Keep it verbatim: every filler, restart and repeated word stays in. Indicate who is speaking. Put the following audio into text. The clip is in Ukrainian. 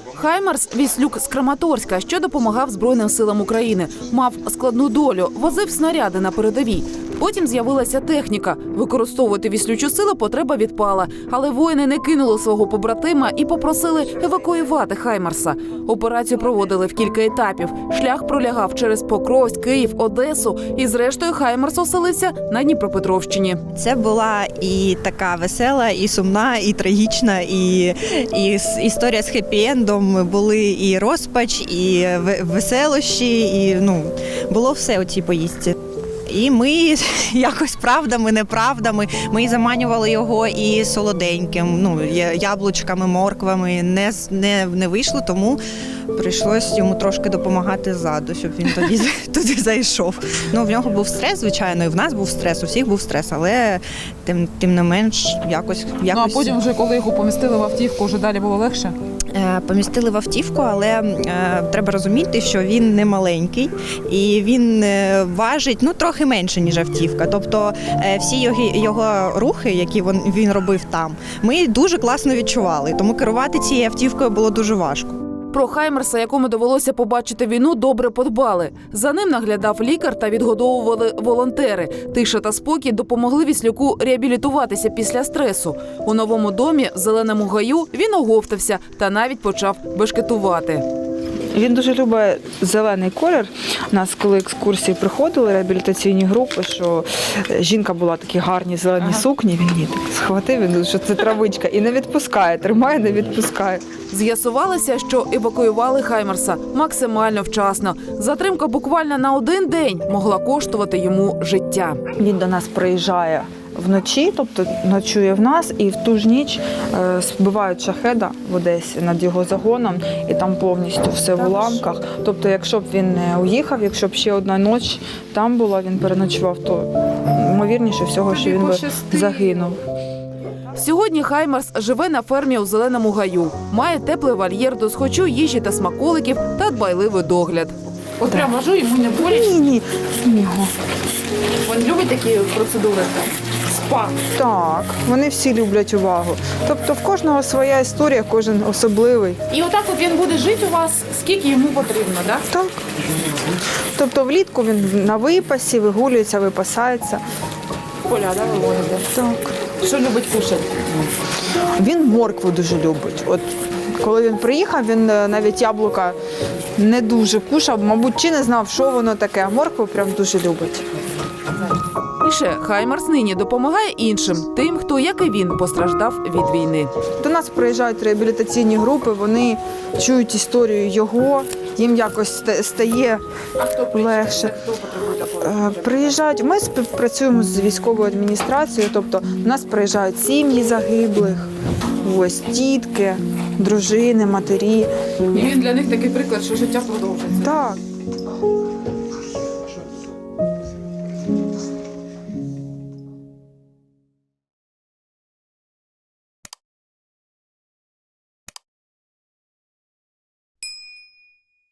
Speaker 1: Хаймарс – віслюк з Краматорська, що допомагав Збройним силам України. Мав складну долю, возив снаряди на передовій. Потім з'явилася техніка. Використовувати віслючу силу потреба відпала. Але воїни не кинули свого побратима і попросили евакуювати Хаймарса. Операцію проводили в кілька етапів. Шлях пролягав через Покровськ, Київ, Одесу. І зрештою Хаймарс оселився на Дніпропетровщині.
Speaker 2: Це була і така весела, і сумна, і трагічна, і, і історія з хеппі-ендом. Були і розпач, і веселощі, і ну, було все у цій поїздці. І ми якось правдами, неправдами, ми заманювали його і солоденьким, ну, яблучками, морквами. Не, не, не вийшло, тому прийшлось йому трошки допомагати ззаду, щоб він тоді туди зайшов. Ну, в нього був стрес, звичайно, і в нас був стрес, у всіх був стрес, але тим, тим не менш якось, якось...
Speaker 3: Ну, а потім вже, коли його помістили в автівку, вже далі було легше?
Speaker 2: Помістили в автівку, але е, треба розуміти, що він не маленький і він е, важить ну трохи менше, ніж автівка. Тобто е, всі його, його рухи, які він, він робив там, ми дуже класно відчували. Тому керувати цією автівкою було дуже важко.
Speaker 1: Про Хаймарса, якому довелося побачити війну, добре подбали. За ним наглядав лікар та відгодовували волонтери. Тиша та спокій допомогли віслюку реабілітуватися після стресу. У новому домі, в Зеленому гаю, він оговтався та навіть почав бешкетувати.
Speaker 4: Він дуже любить зелений колір. У нас, коли екскурсії приходили, реабілітаційні групи, що жінка була в такій гарній зеленій ага. сукні, він її так схватив, він, що це травичка, і не відпускає, тримає, не відпускає.
Speaker 1: З'ясувалося, що евакуювали Хаймарса максимально вчасно. Затримка буквально на один день могла коштувати йому життя.
Speaker 4: Він до нас приїжджає вночі, тобто ночує в нас, і в ту ж ніч е, збивають шахеда в Одесі над його загоном, і там повністю все в уламках. Тобто, якщо б він не уїхав, якщо б ще одна ніч там була, він переночував, то ймовірніше всього, що він би загинув.
Speaker 1: Сьогодні Хаймарс живе на фермі у Зеленому гаю. Має теплий вольєр до схочу їжі та смаколиків та дбайливий догляд.
Speaker 3: От прям ложу, йому не боляче?
Speaker 4: Ні, ні, ні.
Speaker 3: Він любить такі процедури? Спа?
Speaker 4: Так, вони всі люблять увагу. Тобто в кожного своя історія, кожен особливий.
Speaker 3: І отак от він буде жити у вас, скільки йому потрібно, так?
Speaker 4: Так. Тобто влітку він на випасі, вигулюється, випасається.
Speaker 3: Поля, да, виводите?
Speaker 4: Так.
Speaker 3: Що любить кушати?
Speaker 4: Він моркву дуже любить. От коли він приїхав, він навіть яблука не дуже кушав, мабуть, чи не знав, що воно таке, а моркву прям дуже любить.
Speaker 1: І ще Хаймарс нині допомагає іншим, тим, хто, як і він, постраждав від війни.
Speaker 4: До нас приїжджають реабілітаційні групи, вони чують історію його, їм якось стає легше. Приїжджають, ми співпрацюємо з військовою адміністрацією, тобто до нас приїжджають сім'ї загиблих, ось тітки, дружини, матері.
Speaker 3: І він для них такий приклад, що життя продовжується.
Speaker 4: Так.